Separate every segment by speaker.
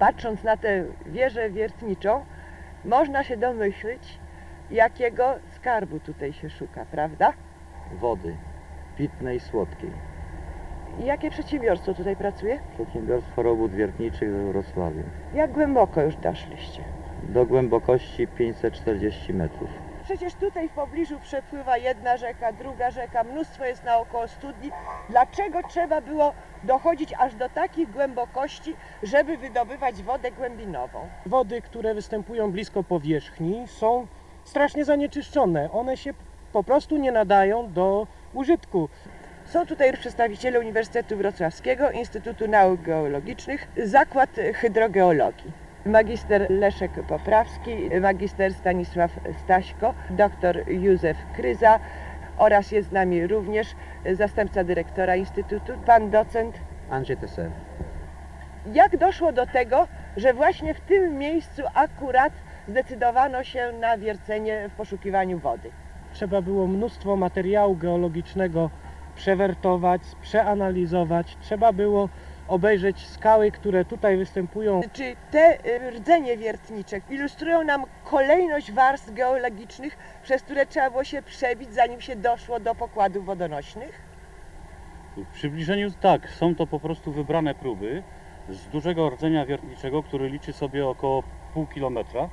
Speaker 1: Patrząc na tę wieżę wiertniczą, można się domyślić, jakiego skarbu tutaj się szuka, prawda?
Speaker 2: Wody pitnej, słodkiej.
Speaker 1: I jakie przedsiębiorstwo tutaj pracuje?
Speaker 2: Przedsiębiorstwo robót wiertniczych we Wrocławiu.
Speaker 1: Jak głęboko już doszliście?
Speaker 2: Do głębokości 540 metrów.
Speaker 1: Przecież tutaj w pobliżu przepływa jedna rzeka, druga rzeka, mnóstwo jest naokoło studni. Dlaczego trzeba było dochodzić aż do takich głębokości, żeby wydobywać wodę głębinową?
Speaker 3: Wody, które występują blisko powierzchni, są strasznie zanieczyszczone. One się po prostu nie nadają do użytku.
Speaker 1: Są tutaj przedstawiciele Uniwersytetu Wrocławskiego, Instytutu Nauk Geologicznych, Zakład Hydrogeologii. Magister Leszek Poprawski, magister Stanisław Staśko, doktor Józef Kryza oraz jest z nami również zastępca dyrektora Instytutu, pan docent.
Speaker 2: Andrzej Teser.
Speaker 1: Jak doszło do tego, że właśnie w tym miejscu akurat zdecydowano się na wiercenie w poszukiwaniu wody?
Speaker 3: Trzeba było mnóstwo materiału geologicznego przewertować, przeanalizować. Trzeba było obejrzeć skały, które tutaj występują.
Speaker 1: Czy te rdzenie wiertnicze ilustrują nam kolejność warstw geologicznych, przez które trzeba było się przebić, zanim się doszło do pokładów wodonośnych?
Speaker 4: W przybliżeniu tak, są to po prostu wybrane próby z dużego rdzenia wiertniczego, który liczy sobie około pół kilometra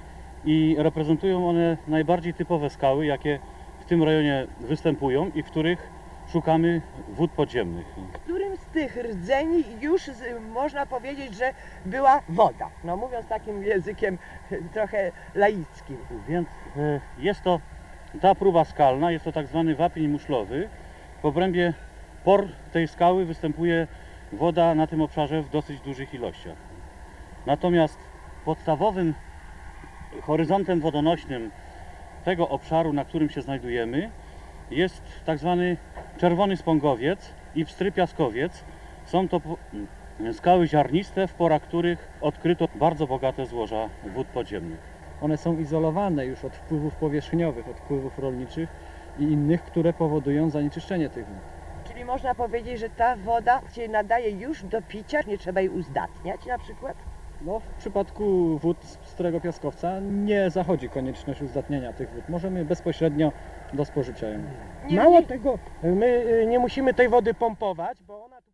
Speaker 4: i reprezentują one najbardziej typowe skały, jakie w tym rejonie występują i w których szukamy wód podziemnych.
Speaker 1: W którym z tych rdzeni już można powiedzieć, że była woda? No mówiąc takim językiem trochę laickim.
Speaker 4: Więc jest to ta próba skalna, jest to tak zwany wapień muszlowy. W obrębie por tej skały występuje woda na tym obszarze w dosyć dużych ilościach. Natomiast podstawowym horyzontem wodonośnym tego obszaru, na którym się znajdujemy, jest tak zwany czerwony spągowiec i pstry piaskowiec. Są to skały ziarniste, w porach których odkryto bardzo bogate złoża wód podziemnych.
Speaker 5: One są izolowane już od wpływów powierzchniowych, od wpływów rolniczych i innych, które powodują zanieczyszczenie tych wód.
Speaker 1: Czyli można powiedzieć, że ta woda się nadaje już do picia, nie trzeba jej uzdatniać na przykład?
Speaker 5: No, w przypadku wód z pstrego piaskowca nie zachodzi konieczność uzdatniania tych wód. Możemy bezpośrednio do spożycia ją.
Speaker 3: Mało tego, my nie musimy tej wody pompować, bo ona tu